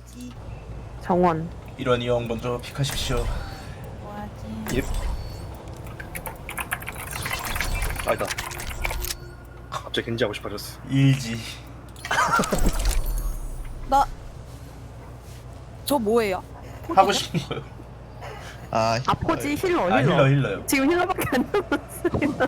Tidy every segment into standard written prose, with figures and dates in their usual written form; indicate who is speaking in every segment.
Speaker 1: 뭐하지?
Speaker 2: 정원.
Speaker 3: 이런 이형 먼저 픽하십시오.
Speaker 1: 뭐하지?
Speaker 4: 예. 아니다. 갑자기 겐지 하고 싶어졌어.
Speaker 3: 일지.
Speaker 1: 나... 저 뭐예요?
Speaker 3: 하고 싶은 거요.
Speaker 5: 아,
Speaker 2: 아포지 힐러
Speaker 3: 아
Speaker 2: 힐러.
Speaker 3: 힐러요.
Speaker 2: 지금 힐러밖에 안 남았어요.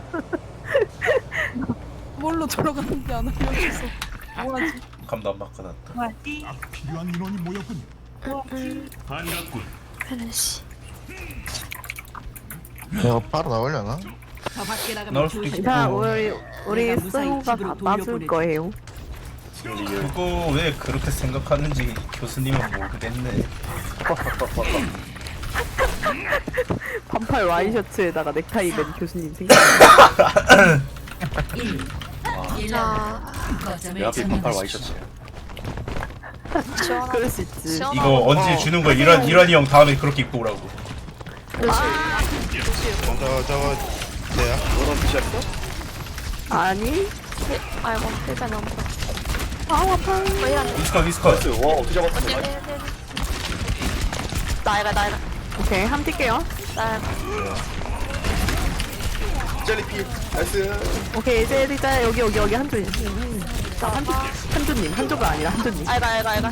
Speaker 1: 뭘로 들어가는지 안 알려줘서 뭐하지?
Speaker 3: 감도 안 바꿔놨다.
Speaker 1: 뭐하지?
Speaker 6: 필요한 인원이 모였군요.
Speaker 1: 뭐하지?
Speaker 6: 반갑군.
Speaker 5: 내가 바로 나오려나?
Speaker 3: 나올 수도 있고.
Speaker 2: 자, 우리 스호가 다 따줄 거예요.
Speaker 3: 그거 왜 그렇게 생각하는지 교수님은 모르겠네.
Speaker 2: 반팔 와이셔츠에다가 넥타이 맨 교수님 생각.
Speaker 4: 내 앞에 반팔 와이셔츠.
Speaker 2: 그럴 수 있지.
Speaker 3: 이거 언제 주는 거야? 이란이 형 다음에 그렇게 입고 오라고.
Speaker 5: 저거 내야?
Speaker 4: 너랑 비시했어?
Speaker 2: 아니?
Speaker 7: 아이고 일단 너무
Speaker 2: 아, 아파.
Speaker 3: 위스컷.
Speaker 4: 와 어떻게 잡았어?
Speaker 7: 나이가
Speaker 2: 오케이, 함 뛸게요.
Speaker 4: 젤리피. 나이스.
Speaker 2: 오케이, 이제 일단 여기 한조님. 자, 한조가 아니라 한조님.
Speaker 7: 알가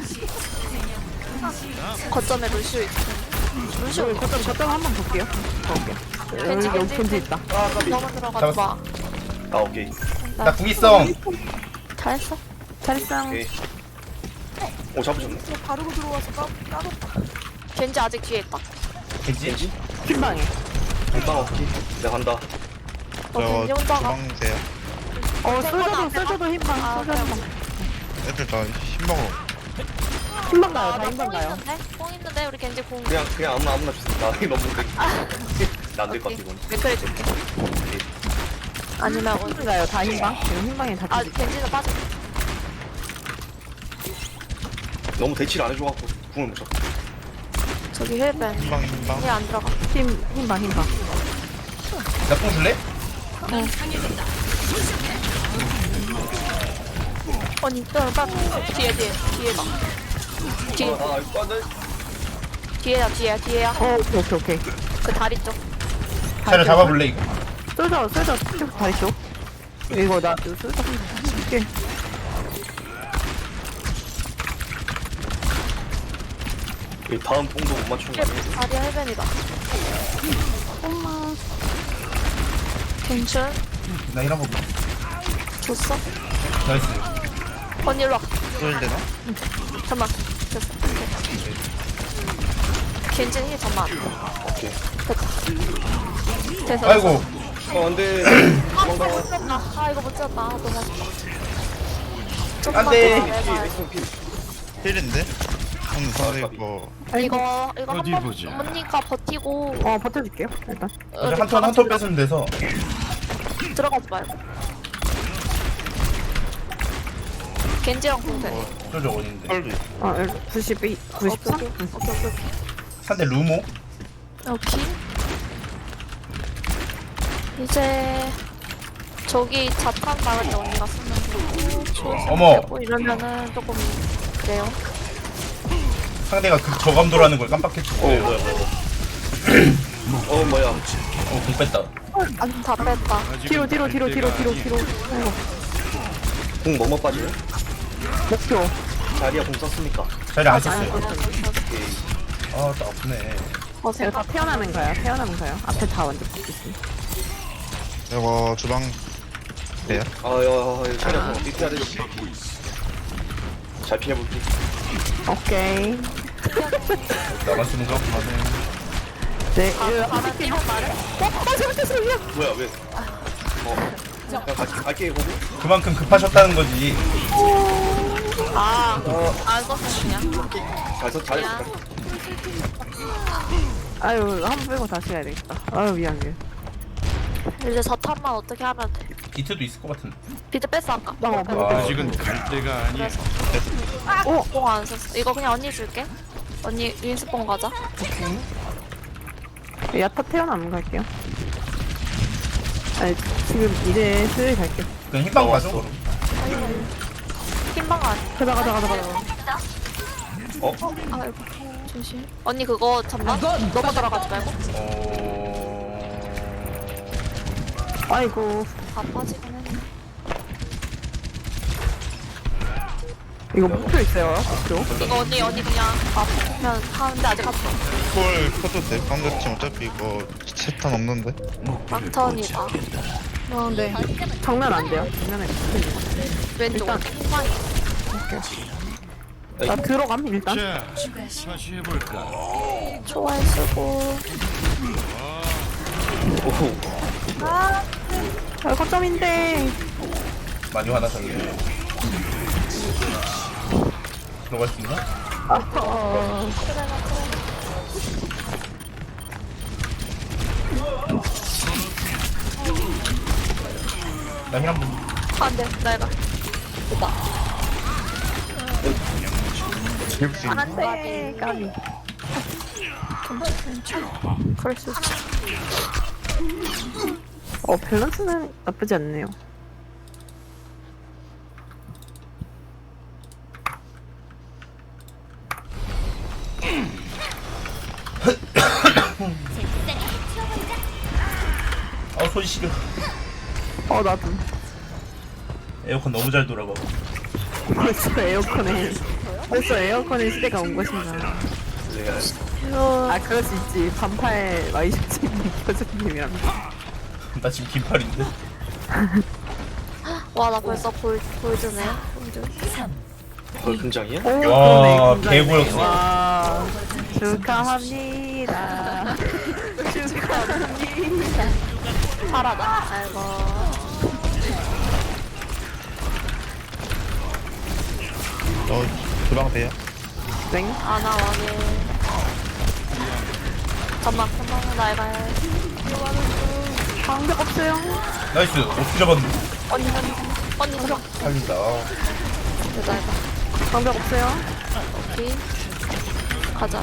Speaker 7: 거점에 루시오 있어. 루시오
Speaker 2: 거점 한번 볼게요. 여기 겐지 있다.
Speaker 7: 너무 들어가지 마.
Speaker 4: 아 오케이.
Speaker 3: 나 궁이성.
Speaker 7: 잘했어.
Speaker 2: 잘했어.
Speaker 4: 오케이. 오 잡으셨네.
Speaker 1: 바르고 들어와서 까먹다.
Speaker 7: 겐지 아직 뒤에 있다.
Speaker 3: 겐지?
Speaker 4: 겐지?
Speaker 2: 흰방에.
Speaker 4: 금방 오케이. 내가 간다.
Speaker 7: 겐지
Speaker 5: 저거
Speaker 7: 혼자가.
Speaker 5: 주방세요?
Speaker 2: 쏠져도 흰방. 쏠져도 흰방.
Speaker 5: 애들 다 신방으로.
Speaker 2: 흰방 가요. 다 흰방 가요.
Speaker 7: 뽕 있는데 우리 겐지 공.
Speaker 4: 그냥 아무나 주세요. 나 이거 너무 나안될 것 같아 이건.
Speaker 7: 맥크리 줄게. 아니면
Speaker 2: 흰방 가요. 다 흰방. 지금 흰방에 다
Speaker 7: 아
Speaker 2: 겐지.
Speaker 7: 겐지는 빠져.
Speaker 4: 너무 대치를 안 해줘갖고 궁을 못 쳤어.
Speaker 7: 저기 힐벤.
Speaker 5: 신방.
Speaker 7: 힐안 들어가.
Speaker 2: 흰방.
Speaker 3: 나궁 줄래?
Speaker 7: 언니 빨리 뒤에 봐. 뒤에
Speaker 4: 아 이거 안돼.
Speaker 7: 뒤에야.
Speaker 2: 오케이.
Speaker 7: 그 다리 쪽.
Speaker 3: 차를 잡아볼래 이거.
Speaker 2: 쏠져 쭉 다리 쪽. 이거 나 쏠져. 이게
Speaker 4: 이 다음 뽕도 못 맞추는 거 아니야?
Speaker 7: 다리야 힐벤이다. 엄마. 괜찮?
Speaker 3: 나 이런 거
Speaker 7: 줬어?
Speaker 3: 나이스.
Speaker 7: 언니 일로 와.
Speaker 5: 쏠 되나?
Speaker 7: 잠깐만. 됐어. 겐지는 힐 잠만.
Speaker 4: 오케이.
Speaker 7: 됐어.
Speaker 3: 아이고.
Speaker 4: 안돼.
Speaker 7: 아 못 쳤다. 아 이거 못 쳤다. 너무 아쉽다.
Speaker 3: 안 돼.
Speaker 5: 힐인데? 근데 뭐
Speaker 7: 이거
Speaker 6: 어디
Speaker 7: 한번
Speaker 6: 보자.
Speaker 7: 언니가 버티고
Speaker 2: 버텨줄게요. 일단.
Speaker 3: 한턴 뺏으면 돼서.
Speaker 7: 들어가지 말고. 겐지랑 공대.
Speaker 3: 저저 어딘데?
Speaker 5: 펄도 있어.
Speaker 2: 92, 93?
Speaker 7: 오케이.
Speaker 3: 상대 루모?
Speaker 7: 오케이. 이제 저기 자탄 나갈 때 언니가 쓰면 되고
Speaker 3: 어머.
Speaker 7: 이러면은 조금 그래요.
Speaker 3: 상대가 그 저감도라는 걸 깜빡했지.
Speaker 4: 뭐야. 뭐야.
Speaker 3: 공 뺐다.
Speaker 7: 다 뺐다.
Speaker 2: 뒤로.
Speaker 4: 궁 뭐뭐 빠지네?
Speaker 2: 목표.
Speaker 4: 자리야 궁 썼습니까?
Speaker 3: 자리 안 썼어요.
Speaker 4: 오케이.
Speaker 3: 아, 나 아프네.
Speaker 2: 제가 다 태어나는 거요. 앞에 다 완전 붙겠습니다.
Speaker 5: 이거 주방 돼요?
Speaker 4: 아야 자리야 궁 어떻게 해야 되지? 잘 피해볼게.
Speaker 2: 오케이.
Speaker 3: 나만 쓰는 거 그만해.
Speaker 2: 네,
Speaker 7: 하나 뛰고 말해.
Speaker 2: 잘못했어요.
Speaker 4: 뭐야 왜? 그냥 갈게 보고.
Speaker 3: 그만큼 급하셨다는 거지.
Speaker 7: 안 썼어 그냥.
Speaker 4: 잘했어.
Speaker 2: 아유, 한 번 빼고 다시 해야 되겠다. 아유, 미안해.
Speaker 7: 이제 자탄만 어떻게 하면 돼?
Speaker 3: 비트도 있을 것 같은데.
Speaker 7: 비트 뺐어 아까.
Speaker 6: 아직은 갈 때가 아니야.
Speaker 7: 뽕안 썼어. 이거 그냥 언니 줄게. 언니 윈스뽕 가자.
Speaker 2: 야타 태어나면 갈게요. 아니, 지금 이제 슬슬 갈게요.
Speaker 3: 그냥 흰방 가죠. 그럼.
Speaker 7: 흰방 아니.
Speaker 2: 가자.
Speaker 7: 아이고 조심. 언니 그거 잠깐 넘어 들어가지 말고.
Speaker 2: 아이고
Speaker 7: 다 빠지긴 했네.
Speaker 2: 이거 목표 있어요 목표.
Speaker 7: 이거 언니 그냥 아프면 하는데 아직 아파.
Speaker 5: 볼 켜도 돼. 상대팀 어차피 이거 세탄 없는데.
Speaker 7: 막턴이다.
Speaker 2: 네 장난 안 돼요 장난에
Speaker 7: 왼쪽
Speaker 2: 일단-
Speaker 7: 후방이.
Speaker 2: 나 들어감 일단.
Speaker 6: 자, 다시 해볼까?
Speaker 7: 초월 쓰고.
Speaker 4: 오호.
Speaker 2: 아 거점인데.
Speaker 3: 많이 화나셨네. 들어갈 수 있나? 나힐 한 번.
Speaker 7: 안돼 내가.
Speaker 5: 잡을 수 있는.
Speaker 2: 안돼 까비.
Speaker 7: 그럴 수 있지.
Speaker 2: 밸런스는 나쁘지 않네요.
Speaker 3: 손 시려.
Speaker 2: 나도
Speaker 3: 에어컨 너무 잘 돌아가.
Speaker 2: 벌써 에어컨의 시대가 온 것인가. 아 그럴 수 있지. 반팔 와이셔츠 교수님이랍니다.
Speaker 3: 나 지금 긴팔인데.
Speaker 7: 와 나 벌써 골드네. 골드.
Speaker 4: 그걸 금장이야?
Speaker 2: 오
Speaker 3: 와,
Speaker 2: 그러네.
Speaker 3: 개고였어.
Speaker 2: 와 축하합니다. 축하합니다.
Speaker 7: 파라다. 아이고.
Speaker 5: 주방 돼요?
Speaker 2: 땡.
Speaker 7: 아나 왕해. 잠깐만 나 이거 해.
Speaker 2: 방벽 없어요.
Speaker 3: 나이스. 어떻게 잡았는데?
Speaker 7: 언니 잠깐.
Speaker 3: 살린다.
Speaker 7: 나 이거.
Speaker 2: 방벽 없어요.
Speaker 7: 오케이. 가자.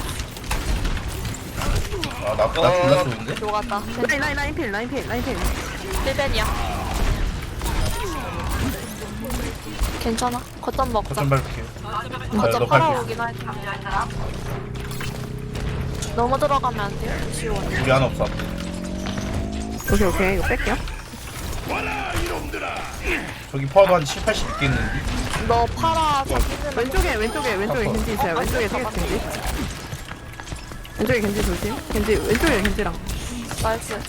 Speaker 3: 나 졸라 쏘는데?
Speaker 7: 들어갔다.
Speaker 2: 라인필.
Speaker 7: 1벤이야. 괜찮아. 겉점 먹자.
Speaker 3: 거점 밟을게요.
Speaker 7: 겉점
Speaker 3: 너
Speaker 7: 팔아오긴 할게. 너무 들어가면 안 돼요. 지원.
Speaker 3: 우리 하나 없어.
Speaker 2: 오케이 이거 뺄게요.
Speaker 3: 저기 파워도 한 7, 80 있겠는데?
Speaker 7: 너 팔아. 자기는
Speaker 2: 왼쪽에 겐지 있어요. 왼쪽에 겐지. 왼쪽에 겐지 조심. 왼쪽에 겐지랑.
Speaker 7: 나이스.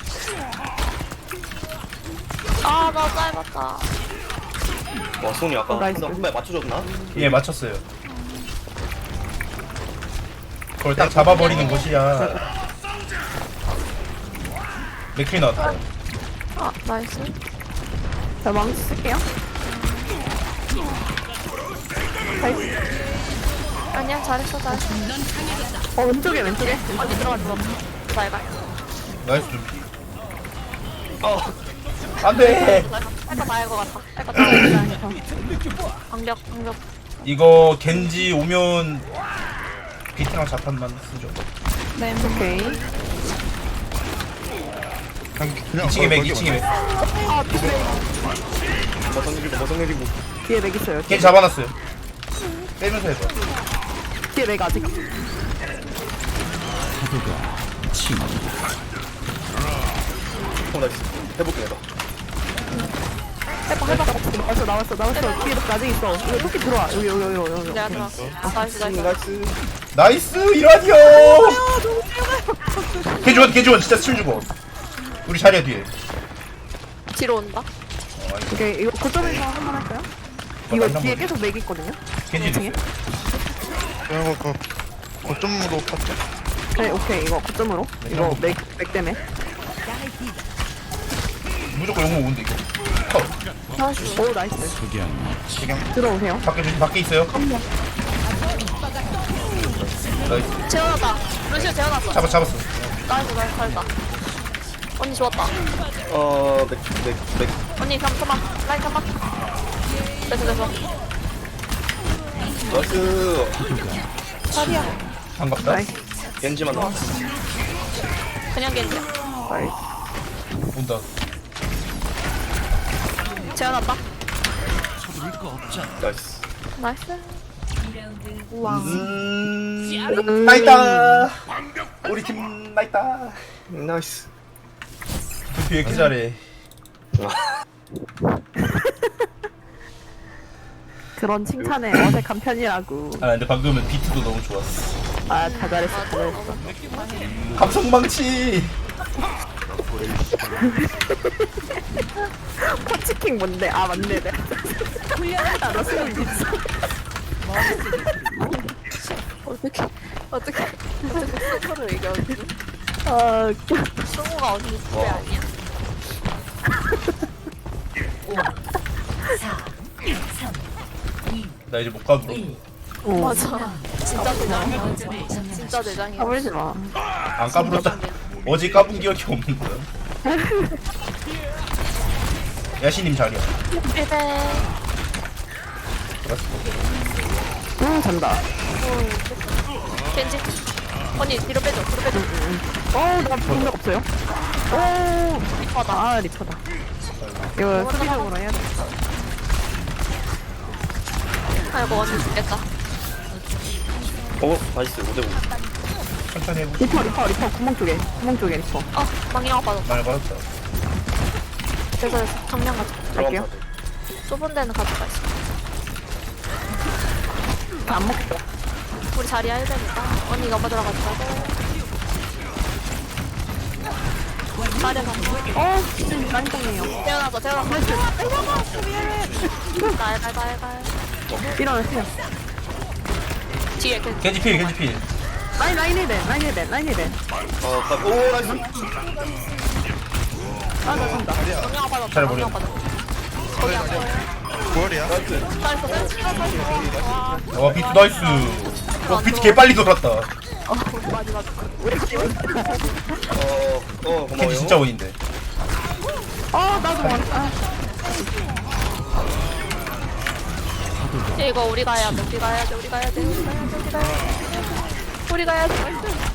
Speaker 7: 아, 나 짧았다.
Speaker 4: 와 손이 아까
Speaker 2: 나이스.
Speaker 4: 한 발 맞춰줬나?
Speaker 3: 예, 맞췄어요. 그걸 딱 잡아버리는 것이야. 맥퀸 나왔다.
Speaker 7: 아, 나이스.
Speaker 2: 자 망치 쓸게요. 나이스.
Speaker 7: 아니야, 잘했어.
Speaker 2: 왼쪽에.
Speaker 7: 언니 들어가. 잘 가.
Speaker 3: 나이스 좀. 안 돼!
Speaker 7: 할거 다 할 것 같아. 할거 다 방벽.
Speaker 3: 이거 겐지 오면 비트랑 자판만 쓰죠.
Speaker 2: 오케이.
Speaker 5: 그냥
Speaker 3: 2층에 맥, 2층에 맥.
Speaker 4: 머선 내리고
Speaker 2: 뒤에 맥 있어요.
Speaker 3: 겐지 잡아놨어요. 빼면서 해봐.
Speaker 2: 뒤에 맥 아직.
Speaker 4: 나이스. 해볼게 내가.
Speaker 2: 나왔어. 뒤에 맥 아직 있어. 이거 토끼 들어와. 여기.
Speaker 7: 내가 들어왔어. 나이스.
Speaker 4: 나이스.
Speaker 3: 나이스! 이라디오! 개주원 진짜 스킬 주고. 우리 자리야 뒤에.
Speaker 7: 뒤로 온다.
Speaker 2: 오케이 이거 고점에서 한번 할까요? 이거 뒤에 계속 맥 있거든요.
Speaker 3: 겐지 있어요.
Speaker 5: 그리고 거점으로 팠죠?
Speaker 2: 네, 오케이 이거 고점으로. 이거 맥 때문에.
Speaker 3: 무조건 용모 오는데 이거. 컷.
Speaker 2: 오 나이스.
Speaker 5: 지금
Speaker 2: 들어오세요.
Speaker 3: 밖에 있어요. 나이스.
Speaker 7: 재워놨다. 루시오 재워놨어.
Speaker 3: 잡았어.
Speaker 7: 나이스. 잘했다. 언니 좋았다.
Speaker 4: 맥.
Speaker 7: 언니 잠깐만. 라인 잠깐. 됐어.
Speaker 4: 나이스.
Speaker 3: 반갑다.
Speaker 2: 나이스.
Speaker 4: 겐지만 나왔어.
Speaker 7: 그냥 겐지.
Speaker 2: 나이스.
Speaker 3: 온다.
Speaker 7: 재워놨다.
Speaker 4: 나이스.
Speaker 7: 나이스. 우와.
Speaker 3: 나있다. 우리 팀 나있다.
Speaker 4: 나이스.
Speaker 3: 두피 왜 이렇게 잘해?
Speaker 2: 그런 칭찬에 어색한 편이라고.
Speaker 3: 아 근데 방금은 비트도 너무 좋았어.
Speaker 2: 아, 다 잘했어, 다 잘했어.
Speaker 3: 감성망치.
Speaker 2: 포치킹 뭔데? 아, 맞네. 네. 아, 나 수능 있어.
Speaker 7: 어떻게 서로 얘기하지?
Speaker 2: 아, 웃겨.
Speaker 7: 승우가 언니 후배 아니야?
Speaker 3: 나 이제 못 가불어.
Speaker 7: 맞아. 진짜 대장. 진짜 대장이야.
Speaker 2: 까불지 마.
Speaker 3: 안 까불었다. 어제 까분 기억이 없는 거야. 야시님 자리야.
Speaker 7: 일배.
Speaker 2: 잔다.
Speaker 7: 겐지. 언니 뒤로 빼줘. 뒤로 빼줘.
Speaker 2: 나 본적 없어요. 리퍼다. 아, 리퍼다. 이거 수비적으로 해야 돼.
Speaker 7: 아이고 언니 죽겠다.
Speaker 4: 나이스. 5대5.
Speaker 3: 천천히 해보.
Speaker 2: 리퍼. 구멍 쪽에 리퍼.
Speaker 7: 망이가 빠졌다.
Speaker 3: 말 받았다.
Speaker 7: 그래서 정량 가져.
Speaker 2: 갈게요.
Speaker 7: 좁은 데는 가져가 있어.
Speaker 2: 안 먹겠다.
Speaker 7: 우리 자리야 1배니까 언니가 먼저 들어가지고. 자리야 가.
Speaker 2: 진짜 짱짱해요.
Speaker 7: 태어나서. 날.
Speaker 2: 일어나세요.
Speaker 7: 뒤에 겐지.
Speaker 3: 겐지필 겐지필.
Speaker 2: 라인 힐벤.
Speaker 4: 오, 나이스.
Speaker 2: 아, 나 잔다.
Speaker 7: 정량 빠졌다.
Speaker 3: 잘
Speaker 7: 정량
Speaker 3: 모르겠네.
Speaker 7: 빠졌다. 거기 안 보여.
Speaker 5: 구월이야?
Speaker 7: 나이스.
Speaker 3: 와 비트 나이스. 와 비트 개 빨리 돌았다.
Speaker 4: 고마워요.
Speaker 3: 겐지 진짜 원인데.
Speaker 2: 나도 왔다.
Speaker 7: 이거 우리 가야 돼. 우리 가야 돼.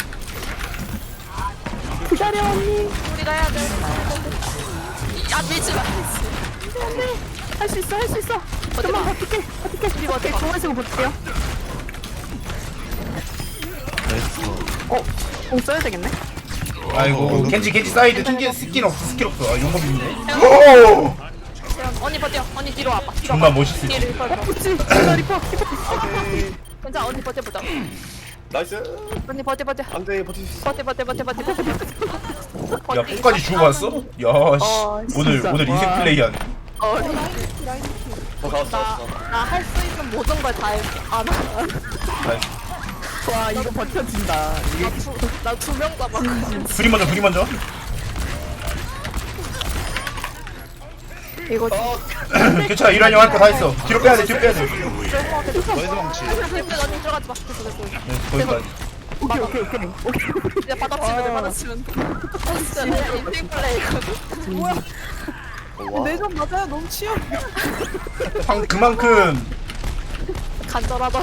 Speaker 2: 기다려, 언니.
Speaker 7: 우리 가야 돼. 야 미치 마.
Speaker 2: 할 수 있어. 좀만 버틸게. 우리 버틸게. 공을 쓰고 버틸게요. 공 써야 되겠네.
Speaker 3: 아이고 겐지 사이드 스킬 없어. 아 용법 있네. 오!
Speaker 7: 언니 버텨. 언니 뒤로 와봐.
Speaker 3: 정말 멋있을 지.
Speaker 7: 뒤로 와봐.
Speaker 2: 그렇지. 리퍼.
Speaker 7: 괜찮아. 언니 버텨.
Speaker 4: 나이스.
Speaker 7: 언니 버텨.
Speaker 4: 안돼, 버틸 수 있어.
Speaker 3: 야 끝까지 주고 갔어? 야 씨. 오늘 인생 플레이한.
Speaker 4: 가왔어.
Speaker 7: 나 할 수 있는 모든 걸 다 했어.
Speaker 2: 와, 이거 버텨진다.
Speaker 7: 나 두 명 잡았거든.
Speaker 3: 둘이 먼저.
Speaker 2: 이거
Speaker 3: 괜찮아 이란이 형 할 거 다 했어. 뒤로 빼야 돼.
Speaker 5: 너희들 망치.
Speaker 7: 언니 들어가지 마.
Speaker 3: 네, 거기까지.
Speaker 2: 오케이.
Speaker 7: 이제 받아치면 돼. 진짜 인생 플레이거든.
Speaker 1: 뭐야? 내전 맞아요. 너무 치열.
Speaker 3: 그만큼
Speaker 7: 간절하다.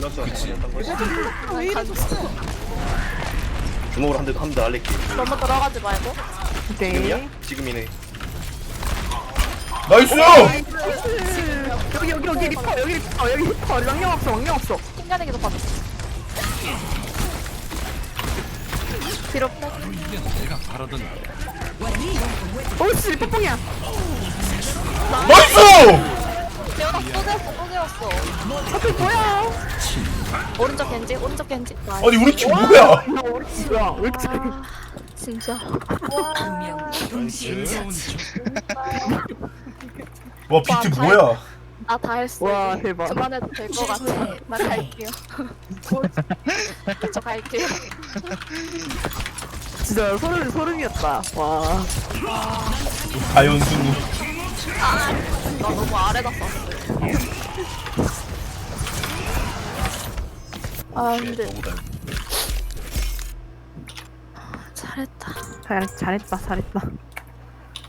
Speaker 1: 왜 이러셨어?
Speaker 4: 주먹으로 한대 날릴게.
Speaker 7: 너무 들어가지 말고.
Speaker 2: 오케이.
Speaker 4: 지금이네.
Speaker 3: 나이스.
Speaker 2: 여기 리퍼. 왕령 없어.
Speaker 7: 튕겨내기도 받았어. 뒤로 빼.
Speaker 6: 내가 바라던
Speaker 2: 오씨, 리퍼뽕이야.
Speaker 3: 나이스.
Speaker 7: 재현아 또 재웠어.
Speaker 2: 앞에 뭐야?
Speaker 7: 오른쪽 겐지.
Speaker 3: 아니 우리 팀 뭐야?
Speaker 2: 우리 집이야. 왜 이렇게 잘해?
Speaker 7: 진짜.
Speaker 3: 와 비트 뭐야?
Speaker 7: 나 다 했어.
Speaker 2: 와, 대박.
Speaker 7: 그만해도 될 것 같아. 나 갈게요. 저 갈게요.
Speaker 2: 진짜 소름이었다. 와.
Speaker 3: 다연승우.
Speaker 7: 나 너무 아래다 썼어. 아 근데 잘했다.
Speaker 2: 잘했다.